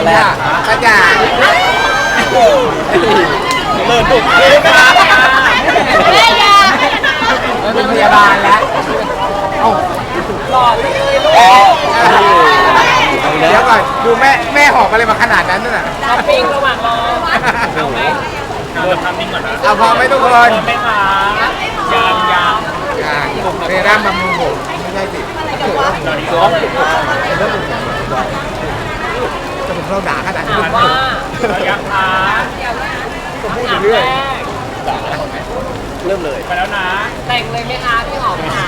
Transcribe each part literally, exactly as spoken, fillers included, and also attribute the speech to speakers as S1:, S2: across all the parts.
S1: แรก
S2: ก็จะ
S1: เลิศดุ
S2: แม่ยาเป็นพยาบาลแล้วหล่อเลยเดี๋ยวก่อนดูแม่แม่หอบอะไรมาขนาดนั้นน่ะ
S3: ช้อปปิ้งระหว่างรอเอาไหมเราทำนิ่งก่อนนะ
S2: เอาพอไหมทุกคน
S3: ไม่ขายังยัง
S2: อย่างเรร่ามามุมผมไม่ใช่สิสองจะผมเราด่าขนาดนี้
S3: ว่ายังขา
S2: ผมพูดเรื่อย
S1: เริ่มเลย
S3: ไปแล้วนะแต่งเลยไหมคะพี่หอมค่ะ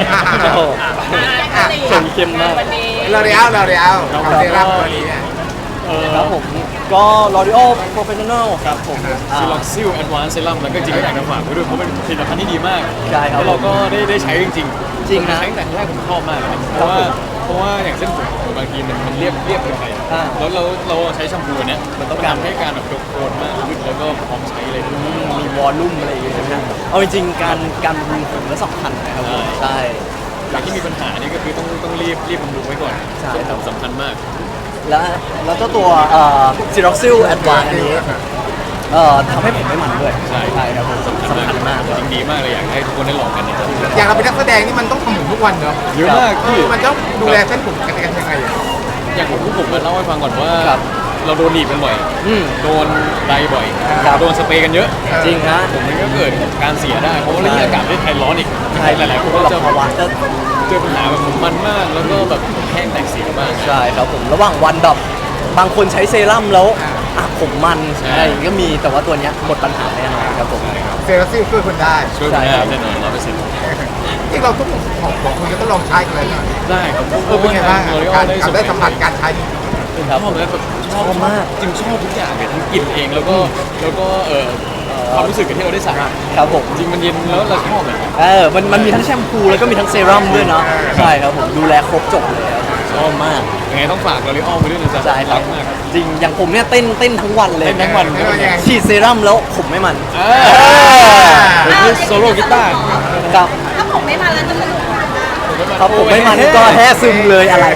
S1: ส่งเข้มมาก
S2: เราเรียวเราเรียวกับเซรั่มตัวนี้เนี่ย
S1: ครับผมก็ L'Oreal Professional ครับผม
S4: ซิลล็อกซิลแอดวานซ์เซรั่มแล้วก็จริงก็อยากจะฝากไว้ด้วยเพราะเป็นผลิตภัณฑ์ที่ดีมาก
S1: ใช่ครับ
S4: แล้วเราก็ได้ได้ใช้จริงๆ
S1: จริงนะ
S4: ใช้ตั้งแต่แรกผมชอบมากเลยเพราะว่าเพราะว่าอย่างเส้นผมบางทีมันมันเรียบเรียบเกินไปแล้วเราเราใช้แชมพูเนี้ยมันต้องการให้การแบบยกโคนมากขึ้นแล้วก็พร้อมใช้เลย
S1: มีวอลลุ่มอะไรอย่างเงี้ยใช่ไหมเอาจริงๆการการบำรุงผมและสำคัญนะครับใช่
S4: หลังที่มีปัญหานี่ก็คือต้องต้องรีบรีบบำรุงไว้ก่อน
S1: ใช่ครับ
S4: สำคัญมาก
S1: แล้วแล้วเจ้าตัวเอ่อ Siroxil Advanced อันนี้เอ่อทำให้ผมไม่มันด้วย
S4: ใช่
S1: ใช่ครับผม
S4: สำคัญมากจริงดีมากเลยอยากให้ทุกคนได้ลองกันนะครับ
S2: อย่างเราเป็นนักแสดงนี่มันต้องทำผมทุกวันเนาะ
S4: เยอะมากที่
S2: มันต้องดูแลเส้นผมกันยังไงอ่ะ
S4: อย่างผมผมเล่าให้ฟังก่อนว่าเราโดนหนีบกันบ่อยโดนไดบ่อยโดนสเปรย์กันเยอะ
S1: จริงฮะ
S4: ผมมันก็เกิดการเสียได้เพราะว่าเรื่องอากาศที่ไทยร้อนอีก
S1: ใช่
S4: หลายๆคนก็จะภาวะจะเจอปัญหาแบบผมมันมากแล้วก็แบบแห้งแตกเสียมาก
S1: ใช่ครับผมระหว่างวันแบบบางคนใช้เซรั่มแล้วอ่ะผมมันอะไรก็มีแต่ว่าตัวเนี้ยหมดปัญหาแน่นอนครับผม
S2: เซรั่มซิลช่วยคนได้
S4: ช่วยคนได้แน่นอนร้อยเปอร์เซ็นต์
S2: ที่เราทุกของของคุณจะต้องลองใช้กันเลยนะ
S4: ได้ครับ
S2: เออเป็นไงบ้างการได้สัมผัสการใช้
S4: ชอบเลยแบบชอบมากจริงชอบทุกอย่างเลยทั้งกลิ่นเองแล้วก็แล้วก็เออความรู้สึกที่เราได้ใส่
S1: ครับผม
S4: จริงมันเย็นแล้วเราชอบเลย
S1: เออมันมันมีทั้งแชมพูแล้วก็มีทั้งเซรั่มด้วยเนาะใช่ครับผมดูแลครบจบเลยชอบมาก
S4: ยังไงต้องฝากลอรีออลไปด้วยนะจ๊ะ
S1: ใช่รักมากจริงอย่างผมเนี่ยเต้นเต้นทั้งวันเลย
S4: เต้นทั้งวัน
S1: ฉีดเซรั่มแล้วผมไม่มัน
S4: ผมคือโซโล่กีตาร์
S1: ครับ
S5: ถ้าผมไม่มันแล้วจะสนุก
S1: ครับผมไม่มันก็แท้ซึมเลยอะไร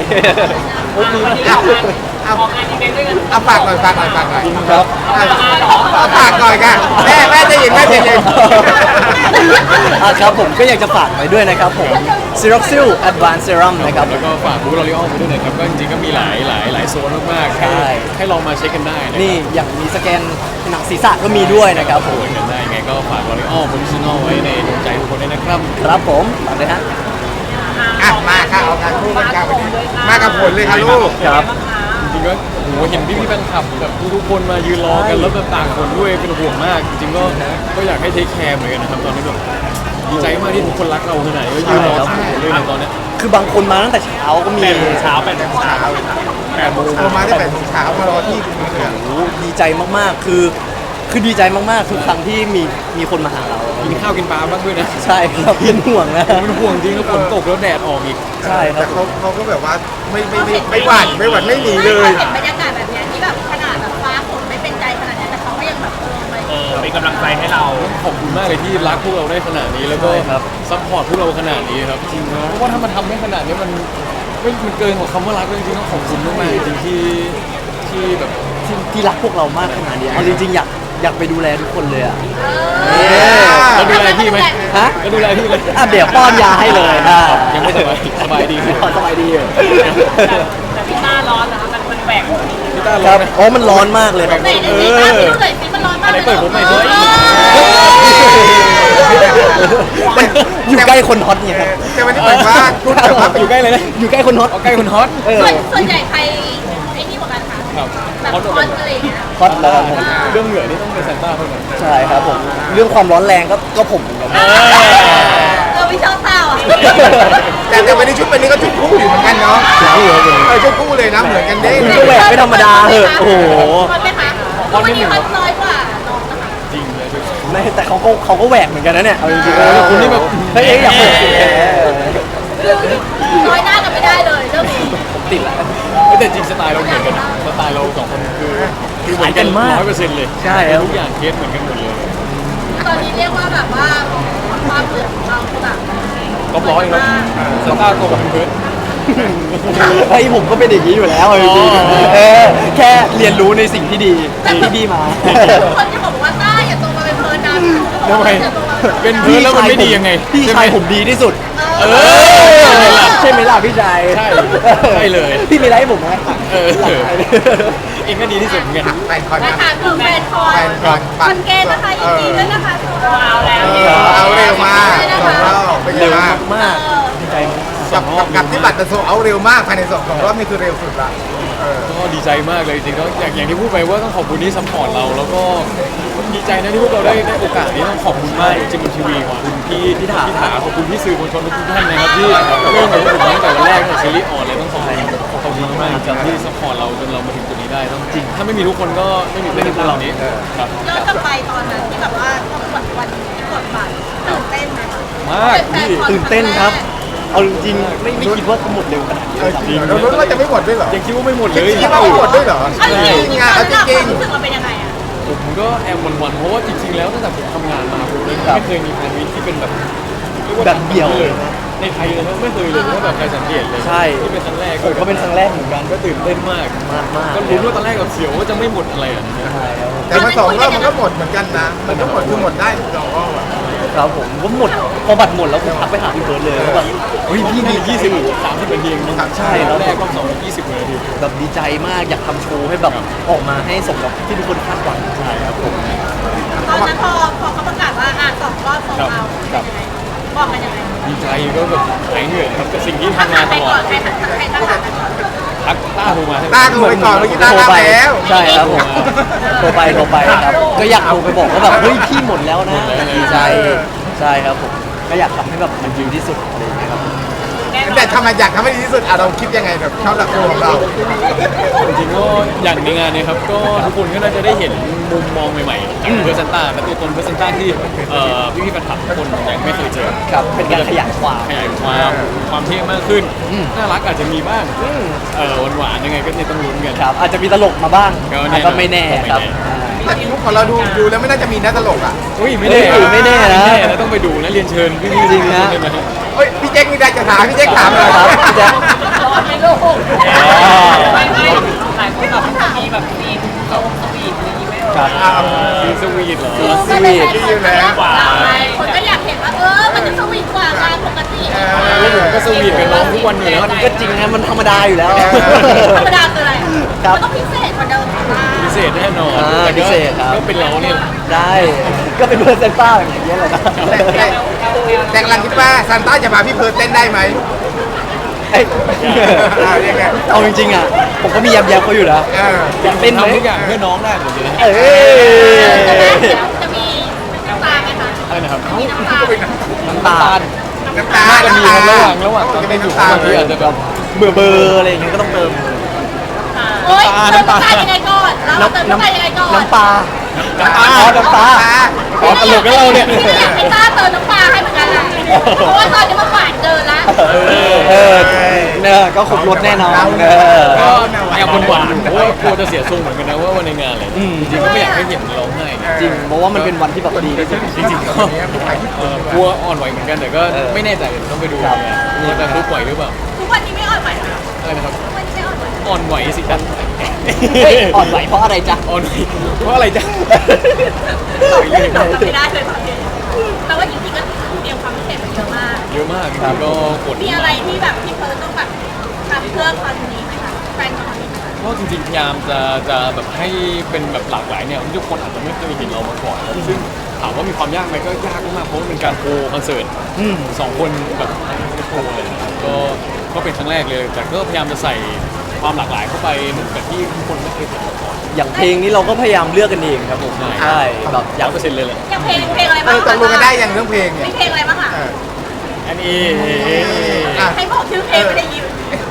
S2: เอาเอาฝากหน่อยฝากหน่อยฝากหน่อย
S1: ครับ
S2: เอาฝากหน่อยกันแม่แม่จะยินแม่จะยิน
S1: ครับผมก็อยากจะฝากไว้ด้วยนะครับผม Siroxil Advanced Serum นะครับ
S4: แล้วก็ฝากบูธลอรีออลไปด้วยนะครับก็จริงๆก็มีหลายหลายหลายโซนมากๆใช่ให้ลองมาเช็คกันได้
S1: นี่อย่างมีสแกนหนังศีรษะก็มีด้วยนะครับผม
S4: กันได้ไงก็ฝากลอรีออลโปรดิชั่นอลไว้ในดวงใจทุกคนด้วยนะครับ
S1: ครับผมฝากเลยฮะ
S2: อ่ะมาค่ะเอางานคู่กันครับมากับผลเลยครับลูก
S1: ครับ
S4: จริงๆก็โหเห็นพี่พี่แฟนคลับแบบทุกคนมายืนรอกันแล้วแบบต่างคนด้วยเป็นห่วงมากจริงๆก็ก็อยากให้เทคแคร์เหมือนกันนะครับตอนนี้แบบดีใจมากที่ทุกคนรักเราขนาดนี้ก็ยืนรอทุกคนเลยในตอนนี้
S1: คือบางคนมาตั้งแต่เช้าก็มี
S3: เช้าแปดโมงเช้า
S2: แปดโมงมาได้แปดโมงเช้ามารอที่คุณเหนือ
S1: โอ้ดีใจมากๆคือคือดีใจมากๆทุกครั้งที่มีมีคนมาหาเรา
S4: กินข้าวกินปลาบ้างด้วยนะ
S1: ใช่ครับเป็นห่วงนะ
S4: เป็นห่วงจริงแล้วฝนตกแล้วแดดออกอีก
S1: ใช่ครับ
S2: แต่เขาเขาก็แบบว่าไม่ไม่ไม่ไม่หวั่นไม่หวั่นไม่หนีเลย
S5: เห็นบรรยากาศแบบนี้ที่แบบขนาดแบบฟ้าฝนไม่เป็นใจขนาดนี้แต่เขาก็ยังแบบเออ
S3: เป็นกำลังใจให้เรา
S4: ขอบคุณมากเลยที่รักพวกเราได้ขนาดนี้แล้วก็ซัพพอร์ตพวกเราขนาดนี้ครับจริงเพราะว่าถ้ามันทำได้ขนาดนี้มันไม่มันเกินกว่าคำว่ารักจริงๆต้องขอบคุณมากๆจริงที่ที่แบบ
S1: ที่รักพวกเรามากขนาดนี้เอาจริงๆอยากอยากไปดูแลทุกคนเลยอ่ะ
S4: แล้วดูแลพี่ไหม
S1: ฮะ
S4: แล้วดูแลพี่เลย
S1: อ่ะเดี๋ยวป้อนยาให้เลยอ่ะ
S4: ยังไม่สบายสบายดี
S1: สบายดีอยู่
S3: แต่พี่ต้าร้อนนะคะมันมันแบก
S4: พี่ต้าร้อน
S1: อ๋อมันร้อนมากเลยครับ
S5: เออมันร้อนมาก
S4: เลยเปิดผมหน่อยสิ
S1: มันอยู่ใกล้คนฮอตไงครับ
S2: แต่วันนี้เหมือนว่าคุณแบบว่า
S4: อยู่ใกล้เลยนะ
S1: อยู่ใกล้คนฮอต
S4: ใกล้คนฮอต
S5: ส่วนใหญ่ใครไอ้นี่กว่ากันคะแบบฮอตอะไรอย่างเงี้ย
S1: ฮอตแล้ว
S4: เรื่องเหงื่อนี่ต้องเป็นซานต้าเท่านั้น
S1: ใช่ครับผมเรื่องความร้อนแรงก็ก็ผมเหมือนกัน
S5: เออวิชาเต่าอ่ะ
S2: แต่แต่วันนี้ชุดวันนี้ก็ชุดคู่อยู่เหมือนกันเนาะเออชุดคู่เลยนะเหมือนกันเด้
S1: ก็แหวกไม่ธรรมดาเหอะโอ้โห
S5: ฮอตไหมคะวันนี้ฮอตน้อยกว่าน้องนะคะ
S4: จริงเลย
S1: ไม่แต่เขาก็เขาก็แหวกเหมือนกันนะเนี่ยเอาจริง
S4: ๆคุณนี่แบบ
S1: เฮ้ยอยากเปิด
S5: น้อยหน้ากันไม่ได้เลยเรื่องนี้
S1: ผมติดแล้ว
S4: แต่จริงสไตล์เราเหมือนกันสไตล์เราสองคนคือคือเหมือนกันร้อยเปอร์เซ็นต์เลย
S1: ใช่
S4: ทุกอย่างเคสเหมือนกันหมดเลย
S5: ตอนนี้เรียกว่าแบบว่าความเหมือนของเราคือแบบ
S4: ก็ร้อยแล้วซานต้าโตกว่าเพื่อน
S1: ไอ้ยผมก็เป็นอย่างนี้อยู่แล้วจริงๆเออแค่เรียนรู้ในสิ่งที่ดีที่ดีมา
S5: คนจะบอกว่าต้าอย่าโตมาเป็นเพิร์นนะ
S4: ทำไมเป็นเพื่อนแล้วมันไม่ดียังไง
S1: พี่
S4: ใช่ไห
S1: ชายผมดีที่สุด
S4: เออ
S1: ใช่ไหมล่ะพี่ชาย
S4: ใช่ใช่เลย
S1: พี่มีอะไรให้ผมไหม
S4: เออเองก็ดีที่สุดเหมือนกัน
S2: แฟนคอน
S5: มา
S2: นะ
S5: ถามถึงแฟนคอน
S2: แฟนคอน
S5: คอนเกนนะคะยินดีด้วยนะคะว้าวแล้ว
S2: เออเอาเร็วมากสองรอบเป็นไง
S1: เร็ว
S2: บ้าง
S1: มากดีใจมาก
S2: กับกับกับที่บัตรจะโซเอาเร็วมากภายในสองสองรอบนี่คือเร็วสุดละเออ
S4: ก็ดีใจมากเลยจริงๆแล้วอย่างอย่างที่พูดไปว่าต้องขอบคุณที่ซัพพอร์ตเราแล้วก็ดีใจนะที่พวกเราได้ได้โอกาสนี้ต้องขอบคุณมากจริงๆบนทีวีขอบคุณพี่พี่ถาพี่ถาขอบคุณพี่สื่อมวลชนทุกท่านนะครับที่เริ่มกับผมตั้งแต่วันแรกตั้งแต่ซีรีส์ออนเลยต้องขอบคุณขอบคุณมากๆจริงๆที่ซัพพอร์ตเราจนเรามาถึงจุดนี้ได้ต้องจริงถ้าไม่มีทุกคนก็ไม่มีไม่มีพวกเรานี้ครับ
S5: ย้อนกลับไปตอนนั้นที่แบบว่าต้องกดวันกดบัตรตื่นเต้นไหม
S4: มากพี่
S1: ตื่นเต้นครับ เอาจริงๆไม่ไม่คิดว่าทั้งหมดเร็วขนาดนี้
S2: เออจริงเหรอเรารู้ว่าจะไม่หมดด้วยเหรอ
S4: ยังคิดว่าไม่หมดเล
S2: คิด
S4: ย
S2: ว่าไม่หมดด้วยเหรอ
S5: เอาจริงๆ
S2: งาน
S5: ตอ
S2: เอา
S5: น
S2: จ
S5: นั้น
S2: ริง
S5: รู้สึกว่าเป็นยังไงอะ
S4: ผมก็แอบหวั่นๆเพราะว่าจริงๆแล้วตั้งแต่ผมทำงานมาผมเลยไม่เคยมีแฟนมิตที่เป็นแบบเรียกว่า
S1: แบบเดี่ยวเลย
S4: ในไทยเลยนะไม่เคยเลยถ้าแบบใครสังเกตเลย
S1: ใช่
S4: ที่เป็นครั้งแรก
S1: ผมก็เป็นครั้งแรกเหมือนกัน
S4: ก็ตื่นเต้นมาก
S1: มากมาก
S4: ก็ลุ้นว่าตอนแรกกับเสียวว่าจะไม่หมดอะไรอ่ะ
S1: ใช่ครับผม
S2: แต่มาสองรอบมันก็หมดเหมือนกันนะ มันก็หมดคือหมดได้สองรอบอะ
S1: ครับผมก็หมดพอบัตรหมดแล้วผมทักไปหาพี่เบิร์ดเลยว่าแบบเฮ้ยพี่มี
S4: ยี่สิบสามสิบนาทีเองมั้ง
S1: ใช่แล้ว
S4: แรกรอบสองยี่สิบนาที
S1: แบบดีใจมากอยากทำโชว์ให้แบบออกมาให้สมกับที่ทุกคนคาดหวังใช่ครับผม
S5: ตอนนั้นพอพอเขาประกาศว่าอ่ะสองรอบโซลเอาท์เป็นยังไงบอกกันยังไง
S4: ดีใจก็แบบหายเหนื่อยครับกับสิ่งที่
S5: ทัก
S4: ทำ
S5: หา
S4: มา
S5: ใค
S4: ต
S5: ร
S4: ลอ
S5: ก่อ
S4: ด
S5: นใครทักใครทักหากันก่อน
S4: ทักต้าโทรมาให้
S2: ต้าดูไปก่อนเมื่อกี้ต้า
S1: โทร
S2: ต้า
S1: ไป
S2: แล้ว
S1: ใช่ครับผมโทรไปโทรไปครับก็อยากโทรไปบอกว่าแบบเฮ้ยพี่หมดแล้วนะดีใจใช่ครับผมก็อยากทำให้แบบมันดีที่สุดอะไรอย่างเงี้ยครับ
S2: แต่ทำไมอยากทำให้ดีที่สุดอ่ะเราคิดยังไงแบบชอบหลักตัวของเรา
S4: จริงๆก็อย่างในงานเนี้ครับก็ทุกคนก็น่าจะได้เห็นมุมมองใหม่ๆจากเพอร์เซนต้าและตัวตนเพอร์เซนต้าที่เอ่อพี่ๆแฟนคลับทุกคนยังไม่เคยเจอ
S1: ครับเป็นการขยายความ
S4: ขยายความความเท่มากขึ้น
S1: อืม
S4: น่ารักอาจจะมีบ้างเออหวานๆยังไงก็เนี่ยต้องลุ้นกัน
S1: ครับอาจจะมีตลกมาบ้าง
S4: ก็แน่
S1: ก็ไม่แน่ครับ
S2: แต่มุกของเราดูดูแล้วไม่น่าจะมีนะตลกอ่ะ
S4: อุ้ยไม่แน่
S1: เฮ้ยไม่แน่นะ
S4: ไม่แน่นะต้องไปดูนะเรียนเชิญพี่ๆ
S1: จริงนะ
S4: ได้ไหม
S2: เฮ้ยพี่แจ็คมีอะไรจะถามพี่แจ็คถามเลย
S1: ครับพี่แจ๊ค
S5: ร้อนไหมลูก
S3: ไม่ไม่หลายคนแบบมีแบบซีนลงสวีทอะไรอย่างงี้ไหม
S1: ครับ
S2: อ่า
S4: ซีสวีทเหรอ
S1: สวีท
S2: ที่อยู่แล้ว
S5: คนก็อยากเห็นว่าเออมันจะสวีทกว่างานปกติ
S4: แล้วผมก็สวีทกับน้องทุกวันอยู่แล้ว
S1: มันก็จริงนะมันธรรมดาอยู่แล้ว
S5: ธรรมดาคืออะไร
S1: ครับ
S5: มันต้องพิเศษกว่าเดิมค่ะ
S4: พิเศษแน่นอน
S1: อ่า
S4: แต่ก็
S1: พิเศษครับ
S4: ก็เป็นเราเนี่ย
S1: ได้ก็เป็นเพื่อนเซนต้าอย่างเงี้ยแหละนะ
S2: แต่แต่แต่กำลังคิดว่าซานต้าจะมาพี่เพิร์ดเต้นได้ไหม
S1: เอ้ย
S2: อ่าเรียกไง
S1: เอาจริงๆอ่ะผมก็มียำยำเขาอยู่นะ
S2: เออ
S1: อยากเต้นไหม
S4: ทำทุกอย่างเพื่อน้องได้หมดเลย
S1: เอ้ย
S5: จะมีน้ำตาไหมคะ
S4: อะไรนะครับ
S5: มีน้ำตา
S1: น้ำตาล
S2: น้ำตา
S4: น่าจะ
S2: น้ำ
S4: มี
S2: ตา
S4: ระหว่างระหว่างตอน
S2: จะ
S4: ที่
S2: มี
S4: อยู่
S2: น้ำตา
S4: บางทีอาจจะแบบ
S1: เบื่อเบอร์อะไรอย่างเงี้ยก็ต้องเติม
S5: โอ๊ยเติมน้ำตายังไงก่อนเราเติมน้ำตายังไงก่อน
S1: น้ำปลา
S4: น้ำตา
S1: อ๋อน้ำตา
S4: อ๋อตลกกับเราเนี่ย
S5: พี่อยากให้ต้าเติมน้ำปลาให้เหมือนกันแหละเพราะว่าตอนนี้มันหวานเกินละ
S1: เออเออเนี่ยก็ครบรถแน่นอนเออ
S4: ก็แอบหวานๆเพราะว่ากลัวจะเสียทรงเหมือนกันนะว่าวันในงานอะไร
S1: อืม
S4: จริงๆก็ไม่อยากให้เห็นร้องไห้
S1: จริงเพราะว่ามันเป็นวันที่แบบดีที่สุด
S4: จริงๆก็
S2: เนี่ยผู้ชายที่
S4: เอ่อกลัวอ่อนไหวเหมือนกันแต่ก็
S1: เออ
S4: ไม่แน่ใจต้องไปดู
S1: ครับ
S4: ว่าจะรู้ไหวหรือเปล่า
S5: ทุกวันนี้ไม่อ่อนไหวนะ
S4: อะไรนะครับ
S5: ทุกวันนี้ไม่อ่อนไหว
S4: อ่อนไหวสิจ๊ะ
S1: เฮ้ยอ่อนไหวเพราะอะไรจ๊ะ
S4: อ่อนไหวเพราะอะไรจ๊ะ
S5: ตอบไม่ได้ไม่ได้เลยตอนนี้แต่ว่าจริงๆก็เตรียมความพิเศษมาเยอะมาก
S4: เยอะมากจริงๆก็กด
S5: มีอะไรที่แบบพี่เพิร์ลต้องแบบทำเพื่อคอนนี้ไหมคะแฟนคอนนี้ไหมคะ
S4: ก็จริงๆพยายามจะจะแบบให้เป็นแบบหลากหลายเนี่ยที่ทุกคนอาจจะไม่เคยเห็นเรามาก่อนซึ่งถามว่ามีความยากไหมก็ยากมากๆเพราะว่าเป็นการโคคอนเสิร์ต
S1: อืม
S4: สองคนแบบโคเลยนะครับก็ก็เป็นครั้งแรกเลย แต่ก็พยายามจะใส่ความหลากหลายเข้าไปเหมือนกับที่ทุกคนไม่เคยเห็นมาก่อน
S1: อย่างเพลงนี้เราก็พยายามเลือกกันเองครับผม
S4: ใช่
S1: ใช่แบบอ
S4: ร้
S1: ยา
S4: อก ยเปอร์เซ็นต์เลยแหละ
S5: อย่างเพลงเพลงอะไร
S2: เอ
S5: บ้าง
S2: อตกลงกันได้อย่างเรื่องเพลงเนี่ย
S5: มีเพลงอะไรบ้างคะ
S2: เออ
S4: อันนี้
S2: อ่ะ
S5: ให้บอกชื่อเพลงไม่ได้ยิน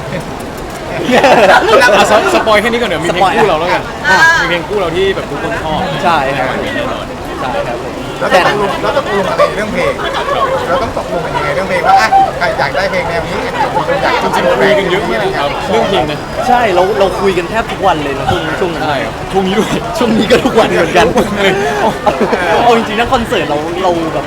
S4: อ่ะสสปอยแค่นี้ก่อนเดี๋ยวมีเพลงคู่เราแล้วกัน
S5: อ่า
S4: มีเพลงคู่เราที่แบบทุกคนชอบ
S1: ใช่ครับ
S4: มีแน่นอน
S1: ใช่ครับผม
S2: เรา
S1: แต่
S2: ต้องตกลงเราต้องตกลงอะไรเรื่องเพลง เราต้องตกลงกันยังไงเรื่องเพลงว่าอ่ะใครอยากได้เพลงแนวนี้อยาก
S4: จริงๆคุยกันเยอะมากครับเรื่องเพลงนะ
S1: ใช่เราเราคุยกันแทบทุกวันเลยนะช่วงช่วงนั้น
S4: ใช่ครับช่วงนี้ด้วย
S1: ช่วงนี้ก็ทุกวันเหมือนกัน
S4: เลย
S1: เอาจริงๆนะคอนเสิร์ตเราเราแบบ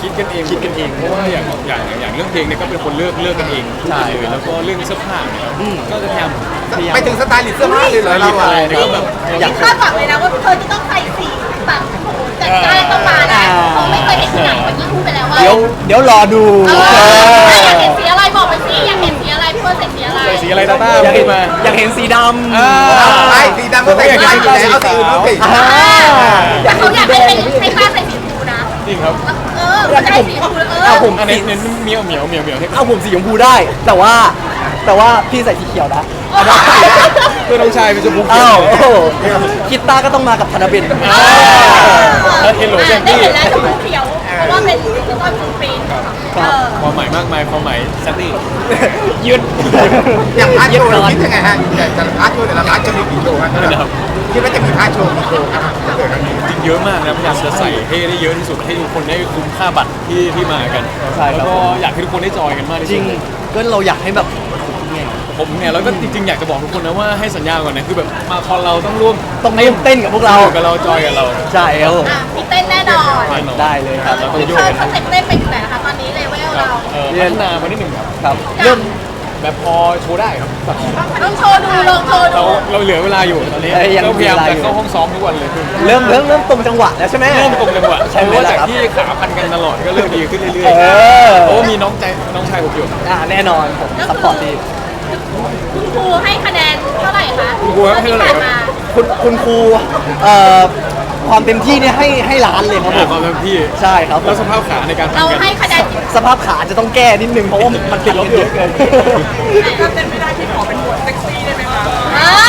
S4: คิดกันเอง
S1: คิดกันเอง
S4: เพราะว่าอย่างอย่างอย่างเรื่องเพลงเนี่ยก็เป็นคนเลือกเลือกกันเองทุกอย่างเลยแล้วก็เรื่องเสื้อผ้าเนี่ย
S1: อืม
S4: ก็จะพยายาม
S2: ไปถึงสไตล์ลิสต์เสื้อผ้าเลยเหรอเรา
S4: อะไร
S2: อ่ะ
S4: เนี่ยก็แบบ
S1: อยาก
S5: คาดหวังเลยนะว่าเธอจะต้องใส่สีแบบโอ้โหจัดจ้านต้องมานะเขาไม่เคยเห็นที่ไหนวันนี้พูดไปแล้วว่า
S1: เดี๋ยวเดี๋ยวรอดู
S5: เอ
S1: เอ
S5: อ
S1: อ
S5: อยากเห็นสีอะไรบอกไปสิอยากเห็นสีอะไรพี่เฟิร์นใส่สีอะไร
S4: ใส่สีอะไรตาต้า
S1: อยาก
S4: พู
S1: เห็
S4: ด
S1: น
S4: มา
S1: อยากเห็นสีดำ
S4: อ่า
S2: ใช่สีดำก็แต่งได้อยู่แล้วเอาสีอื่นมาสิ
S1: อ่า
S5: แต่เขาอยากให้เป็นให้ป้าใส่สีชมพูนะ
S4: จริงครับ
S5: เออไม่ได้สีชมพูเออ
S1: เอาผม
S4: อันนี้เน้นเหมียวเหมียวเหมียวเหมียวให้
S1: เอาผมสีชมพูได้ แต่ว่าแต่ว่าพี่ใส่สีเขียวนะ
S4: เพื่อนน้องชายเป็นชมพูเขี
S1: อ้า
S4: ยว ว
S1: โอ้โหคิดตาก็ต้องมากับธนเบน
S4: อ่าแล้วเฮลโลแจน
S5: ได้
S4: ดี้
S5: เห็นแล้วชมพูเขียว เพราะว่าเป็นแล้วก็ฟูปรินท์เออ
S4: ความหมายมากมายความหมายแซนดี้ยืด
S2: อย่างพาร์ทโชว์เราคิดยังไงฮะแต่แต่ละพาร์ทโชว์แต่ละพาร์ทจะมีกี่โชว์ฮะ
S4: นะครับ
S2: คิดว่าจะมีพาร์ทโชว์กี่โชว์ครับเกิดครั้งนี้
S4: จริงเยอะมากนะพยายามจะใส่ให้ได้เยอะที่สุดให้ทุกคนได้คุ้มค่าบัตรที่ที่มากัน
S1: ใช่ครับ
S4: แล้วก็อยากให้ทุกคนได้จอยกันมากที่
S1: จริ
S4: สุ
S1: ง
S4: ด
S1: ก็เราอยากให้แบบไง
S4: ผมเนี่ยแล้วก็จริงๆอยากจะบอกทุกคนนะว่าให้สัญญาก่อนนะคือแบบมาคอนเราต้องร่วม
S1: ต้องเต้นเต้นกับพวกเรา
S4: อยู่กับเราจอยกับเรา
S1: ใช่ครับผม
S5: อ่ะมีเต้นแน่นอน
S4: แน่นอน
S1: ได้เลยครับ
S4: เราต้อง
S5: พี่
S4: โย
S5: เฟิ
S4: ก
S5: ร์น
S4: กัน
S5: สเต็ปเต้นไปถึงไหนนะคะตอนนี้เลเวล
S4: ครับ
S5: เรา
S4: เออพัฒนามานิดหนึ่งครับ
S1: ครับเริ่ม
S4: แบบพอโชว์ได้ครับ
S5: ต้องโชว์ดูลองโชว์
S4: เรา
S5: ดู
S4: เราเหลือเวลาอยู่ตอนนี้
S1: เอ้ยยัง
S4: ก็พยายาม
S1: มีเวลา
S4: จะ
S1: อยู่
S4: เข้าห้องซ้อมทุกวันเลย
S1: เริ่มเริ่มเริ่มตรงจังหวะแล้วใช่ไหม
S4: เริ่มตรงจังหวะ
S1: ใช่ไหม
S4: เพราะว่า
S1: ล่ะ
S4: จาก
S1: ครับ
S4: ที่ขาพันกันตลอดก็เริ่มดีขึ้นเรื่อย
S1: เออ
S4: ๆเพราะว่ามีน้องใจน้องชายผมอยู่
S1: อ่าแน่นอนผมซัพพอร์ตดี
S5: คุณครูให้คะแนนเท่าไหร่คะ
S4: คุณครูให้เท่าไหร่ครับ
S5: ที่ผ่นมา
S1: คุณคุณครูเอ่อความเต็มที่เนี่ยให้ให้ล้านเลยครับผ
S4: อ่าม ความเต็มที่
S1: ใช่ครับผ
S4: แล้ว
S1: ม
S4: สภาพขาในการพัน
S5: เรา
S4: กัน
S5: ให้คะแนน
S1: สภาพขาจะต้องแก้นิดนึงเพราะว่ามันติดลบเยอะเกิน
S3: ถ้าเต้นไม่ได้ที่ขอเป็นบทเซ็กซี่ได้ไหมคะ
S5: อ่า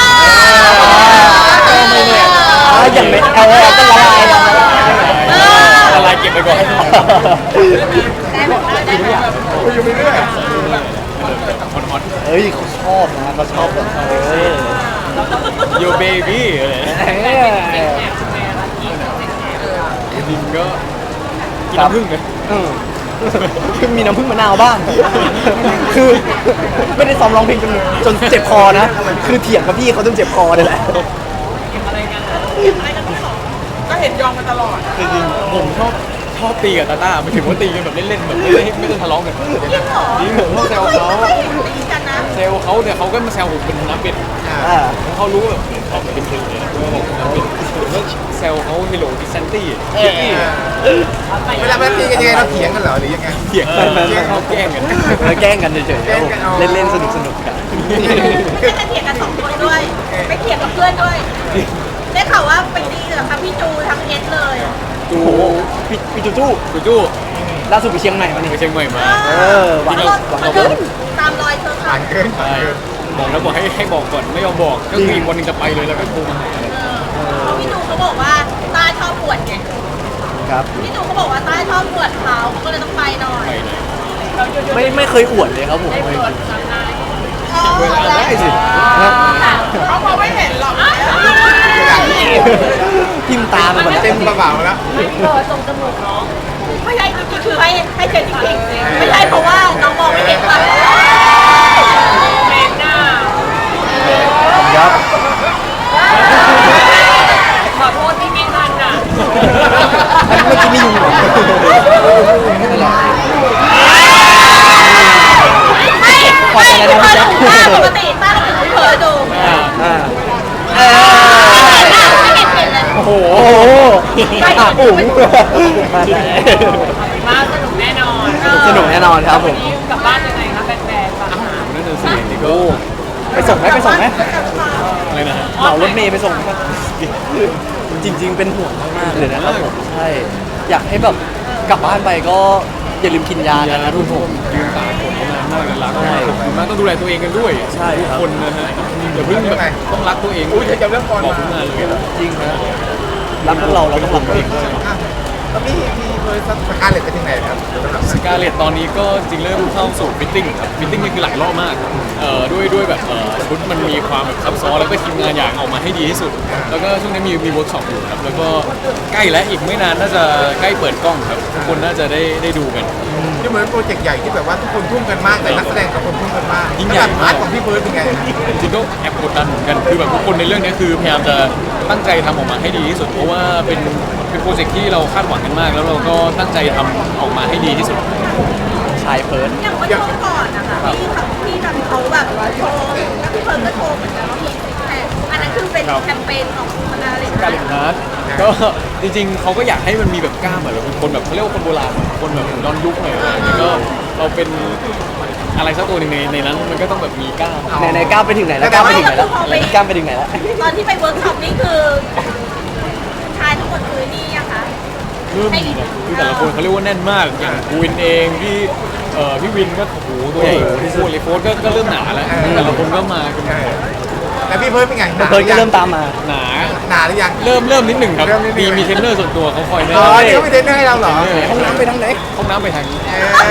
S1: อ่าอย่างในเอลก็ละลายละลาย
S4: ละลายเก็บไปก่อน
S5: ได้ไหมได้ไหม
S2: คุยอยู่ไปเรื่อย
S4: ฮอนฮอน
S1: เฮ้ยเขาชอบนะเขาชอบแบบเออ
S4: โยเบบี้อะไรนะ
S1: เออ
S4: จริงก็กินน้ำผึ้งเลย
S1: เออคือมีน้ำผึ้งมะนาวบ้าง คือไม่ได้ซ้อมร้องเพลงจนจนเจ็บคอนะ คือเถียงกับพี่เขาจนเจ็บคอเลยแหละ
S3: ก็เห็นยอมมาตลอด
S4: จริงๆผมชอบชอบตีกับตาต้าหมายถึงว่าตีกันแบบเล่นๆแบบไม่ได้ไม่ได้ทะเลาะกัน
S5: จริงเหรอ
S4: จริงผมชอบแซวเขา
S5: ไม่เคยเห็นตีกันนะ
S4: แซวเขาเนี่ยเขาก็มาแซวผมเป็นน้ำเป็ด
S1: อ่า
S4: เขารู้แบบออกเป็นเพลงเลยนะว่าผมน้ำเป็ดผมก็แซวเขาเฮโลดิซันตี้
S2: เวลาเวลาตีกันยังไงเราเถียงกันเหรอหรือยังไง
S4: เถียงกันเขาแกล้งกัน
S1: แล้วแกล้งกันเฉยๆครับผม
S2: แกล้งกันเอา
S1: เล่นๆสนุกสนุกๆกัน
S5: ไม่จะเถียงกันสองคนด้วยไปเถียงกับเพื่อนด้วยได้ข่าวว่าไปตีกับทั้งพี่จูทั้งเอสเลย
S4: จู
S1: โอ้โหพี่พี่จูจู
S4: จูจู
S1: ล่าสุดไปเชียงใหม่มานี่
S4: ไปเชียงใหม่มา
S1: เออหวัง
S5: มัน
S1: หวัง
S5: มัน
S1: เอา
S5: ก็
S1: เพิ่ม
S5: ตามรอยเธอค่ะ
S2: ผ่านเกินผ่าน
S4: ใช่
S2: เกิน
S4: บอกแล้วบอกให้ให้บอกก่อนไม่ยอมบอกก็คืออีกวันหนึงจะไปเลยแล้วก็โทรมาหา
S5: เพราะพี่จูเขาบอกว่าต้าชอบปวดไง
S1: ครับ
S5: พี่จูเขาบอกว่าต้าชอบปวดเขาเขาก็เลยต้องไปหน่อย
S4: ไปเลย
S1: ไม่ไม่เคยอวดเลยครับผมไม่
S5: เวลาได้สิ
S3: เขามองไม่เห็นหรอก
S1: ทิมตาไปหมดแล้ว
S2: เต็มกระเป๋าแล้ว
S5: ไม่ใช่จริงๆคือให้ให้เจนจริงๆไม่ใช่เพราะว่าน้องมองไม่เห็นว่า
S3: แมงหน้า
S1: ครับ
S3: ขอโทษที่ไม่ทันอ่ะ
S1: เมื่อกี้ไม่ยุงเหรอ
S5: ไม่ไม่คือเธอถูกต้าปกติต้าเราถึงเผลอดู
S1: อ่าอ่าเอ
S5: ไม่เห็นเห็นเลย
S1: โอ้โหอ่ะอุ๋งมาได้
S3: มาสนุกแน่นอน
S1: สนุกแน่นอนครับผม
S3: นี่กลับบ้านยังไงคะแฟนๆฝากถาม
S4: นั่นน่ะสินี่ก็
S1: ไปส่งไหมไปส่งไหม
S4: อะไรนะฮะ
S1: เหมารถเมย์ไปส่งไหมจริง ๆ เป็นห่วงมากๆเลยนะครับผมใช่อยากให้แบบกลับบ้านไปก็อย่าลืมกินยากันนะทุกคน
S4: ยืนตากฝนมานานมากเลยรักมากขอบคุณมากต้องดูแลตัวเองกันด้วย
S1: ใช่ครับ
S4: ทุกคนนะฮะอย่าเพิ่งแบบต้องรักตัวเอง
S2: อุ้ยจะเรื่องก่อน
S4: บอก
S2: มา
S4: ทุกงานเลยนะ
S1: จริงนะรักพวกเราเราต้องรักตัวเองด้วย
S2: อ่ะแล้วพี่พี่เคยสักการเล็ตไปถึงไหนครับ
S4: สกาเลตตอนนี้ก็จริงเริ่มเข้าสู่ฟิตติ้งครับฟิตติ้งนี่คือหลายรอบมากเอ่อด้วยด้วยแบบเอ่อชุดมันมีความแบบซับซ้อนแล้วก็ทีมงานอยากเอามาให้ดีที่สุด แล้วก็ช่วงนี้มีมีเวิร์กช็อปอยู่ครับแล้วก็ใกล้และอีกไม่นานน่าจะใกล้เปิดกล้องครับทุกคนน่าจะได้ได้ดูกัน
S2: ที่เหมือนโปรเจกต์ใหญ่ที่แบบว่าทุกคนทุ่มกันมากแต่นักแสดงกับคนทุ่มกันมาก
S4: ยิ่งใหญ่
S2: พาร์ทของพี่เบิร์ดเป็นไง
S4: จริงๆก็แอบกดดันเหมือนกันคือแบบทุกคนในเรื่องนี้คือพยายามจะตั้งใจทำออกมาให้ดีที่สุดเพราะว่าเป็นเป็นโปรเจกต์ที่เราคาดหวังกันมาก แล้วเราก็ตั้งใจทำออกมาให้ดีที่สุด
S1: ชายเพิร์ด
S5: อย่างเมื่อช่วงก่อนนะคะที่เขาที่ทำเขาแบบโชว์แล้วพี่เพิร์นก็โชว์เหมือนกันว่ามีซิกแพคอันนั้นคือเป็น
S4: ครับ
S5: แคมเปญของมันอะไร
S4: การเล่นฮาร์ดก็จริงๆเขาก็อยากให้มันมีแบบกล้ามอะเราเป็นคนแบบเขาเรียกว่าคนโบราณคนแบบย้อนยุคหน่อยอะไรอย่างเงี้ยก็เราเป็นอะไรสักตัวหนึ่งในในนั้นมันก็ต้องแบบมีกล้าม
S1: ไหนไหนก้าวไปถึงไหนแล้วก้าวไปถึงไหนแล้วก้าวไปถึงไหนแล้ว
S5: ตอนที่ไปเวิร์กช็อปนี่คือชายทั้งหมดคือนี่อะคะ
S4: เริ่มมีนะคือแต่ละคนเขาเรียกว่าแน่นมากอย่างกูวินเองพี่เอ่อพี่วินก็โอ้โหตัวใหญ่พี่ฟูเลยโฟสก็ก็เริ่มหนาแล้วแต่ละคนก็มากัน
S2: แล้วพี่เพิร์ดเป็นไงหนา
S1: เพิร์ดก็เริ่มตามมา
S4: หนา
S2: หนาหรือยัง
S4: เริ่มเริ่มนิดหนึ่งครับ
S2: เริ่มนิดหนึ่
S4: มี
S2: ง
S4: มีเทรนเนอร์ส่วนตัวเขาคอยแนะ
S2: อ๋อน
S4: ำ
S2: นี่เขาไม่เทรนเนอร์ให้เราเหรอ
S1: ห้องน้ำไปทางไหน
S4: ห้องน้ำไปทางนี้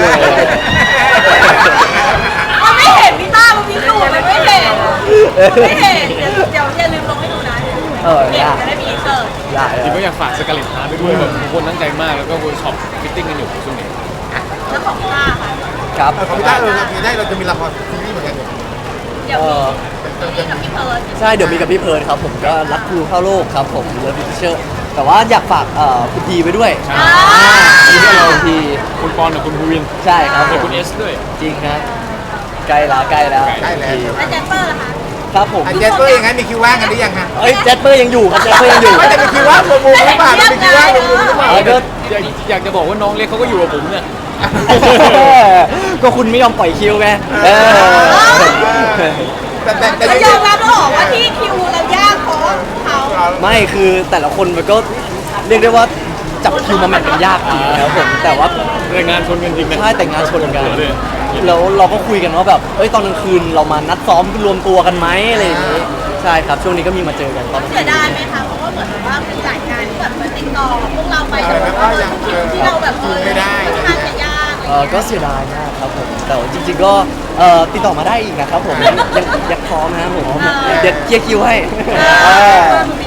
S5: มันไม่เห็นพี่ต้ามันมีสูตรมันไม่เห็นมันไม่เห็นเดี๋ยวเดี๋ยวอย่าลืมลงให้ดูนะ
S1: เออ
S5: เด็ก
S1: ได้
S5: จะได้มีอินเสิร์ต
S1: ได้
S4: จริงก็อยากฝากสกาเลตฮาร์ดไปด้วยแบบทุกคนตั้งใจมากแล้วก็เวิร์กช็อปฟิตติ้งกันอยู่ช่วงนี้
S5: แล้วของต้าค่ะ
S1: ครับ
S2: เออของพี่ต้าเออมีได้เราจะมีละครซีรีส์เหมือนกันเนี่ย
S5: เดี๋ยว
S1: เอ
S5: มี
S1: อ
S5: นี่กับพี่เพิร์น
S1: ใช่เดี๋ยวมีกับพี่เพิร์ดครับผมก็รักครูเข้าโลกครับผมเลิฟพิเชอร์แต่ว่าอยากฝากเอ่อคุณพีไปด้วย
S4: ใช่
S1: อ่ามีด้วยเราคุณพี
S4: คุณปอนกับคุณภูวิน
S1: ใช่ครับผ
S4: แล้ว
S1: ม
S4: คุณเอสด้วย
S1: จริงครับใกล้แล้วใกล้แล้ว
S2: ใกล้แล้ว
S5: แล้วแจนเปอร์ล่ะคะ
S1: ครับผม
S2: อ่ะเจสเปอร์ยังไงมีคิวว่างกันหรือยังฮะ
S1: เอ้ยแจสเปอร์ยังอยู่ครับแจสเปอร์ยังอยู่
S2: ไม่จะมีคิวว่างรวมวงหรือเปล่าจะมีคิวว่างรวมวงหรือเปล่า
S1: เออก็
S4: อยากอยากจะบอกว่าน้องเล็กเขาก็อยู่กับผมเนี่ย
S1: ก็คุณไม่ยอมปล่อยคิวไงเออ
S2: แต่แต่แต่
S5: เขายอมรับแล้วเหรอว่าที่คิวเรายากเพราะเขา
S1: ไม่คือแต่ละคนมันก็เรียกได้ว่าจับคิวมาแมทกันยากจริงนะครับผมแต่ว่า
S4: แต่งานชนกันจริงนะ
S1: ใช่แต่งงานชนกัน
S4: เลย
S1: แล้วเราก็คุยกันว่าแบบเอ้ยตอนกลางคืนเรามานัดซ้อมรวมตัวกันไหมอะไรอย่างนี้ใช่ครับช่วงนี้ก็มีมาเจอกันตอน
S5: เสียดายไหมคะเพราะว่าเหมือนแบบว่ามีหลายงานที่แบบมาติดต่อพวกเราไปแต่ว่าคิวที่เราแบบเออค่อนข้างจะยาก
S1: เออก็เสียดายมากครับผมแต่ว่าจริงๆก็เออติดต่อมาได้อีกนะครับผมยังยังยังพร้อมนะครับผมเดี๋ยวเคลียร์คิวให้เออ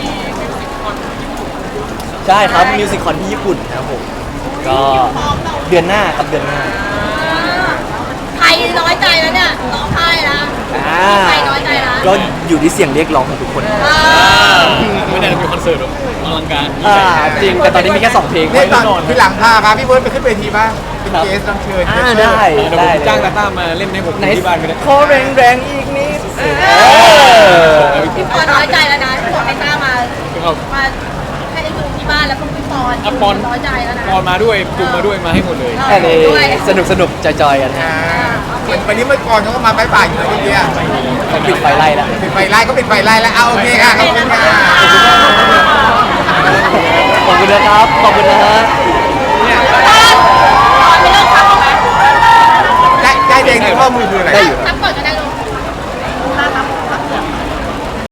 S1: ใช่ครับมิวสิคคอนที่ญี่ปุ่นนะครับผมก็เดือนหน้าครับเดือนหน้า
S5: ใครน้อยใจแล้วเนี่ยร้องไห้นะ
S1: อ่า
S5: ใครน้อยใจนะ
S1: ก็อยู่ที่เสียงเรียกร้องของทุกคน
S4: ไม่ได้มีคอนเสิร์ตแบบอลังการยิ่ง
S1: อ่า
S4: ใหญ่
S1: จริงแต่ตอนนี้มีแค่สองเพลง
S2: เนี่ยตอนที่หลังพาพาพี่เพิร์ดไปขึ้นเวทีบ้างเป็นเกสรับเชิญ
S1: อ่าได้
S4: เดี๋ยวผมจ้างตาต้ามาเล่นให้ผม
S1: ไหน
S4: ที่บ้านก็ได้
S1: ขอแรงแรงๆอีกนิดเออ
S5: พี่ปอนน้อยใจแล้วนะที่บอกให้ต้ามา
S4: ครับ
S5: มาให้ได้ดูที่บ้านแล้วก็พี่ปอน
S4: อ่ะปอน
S5: น้อยใจแล้วนะ
S4: ปอนมาด้วยจุ่มมาด้วยมาให้หมดเลย
S1: อันนี้สนุกสนุกจอยๆกันฮะ
S2: อ่าเหมือนวันนี้เมื่อก่อนเขาก็มาบายบายอยู่นะเมื่อกี้
S1: เขาปิดไฟไล่แล้ว
S2: ปิดไฟไล่ก็ปิดไฟไล่แล้วเอาโอเคค่ะขอบคุณค่ะ
S1: ขอบคุณนะครับ ขอบคุณนะฮะ
S5: ปอนไม่เลิกทำหรอคะ
S2: ใจใจแดงในข้อมือคืออะไร
S1: ได้อยู่
S5: ใจ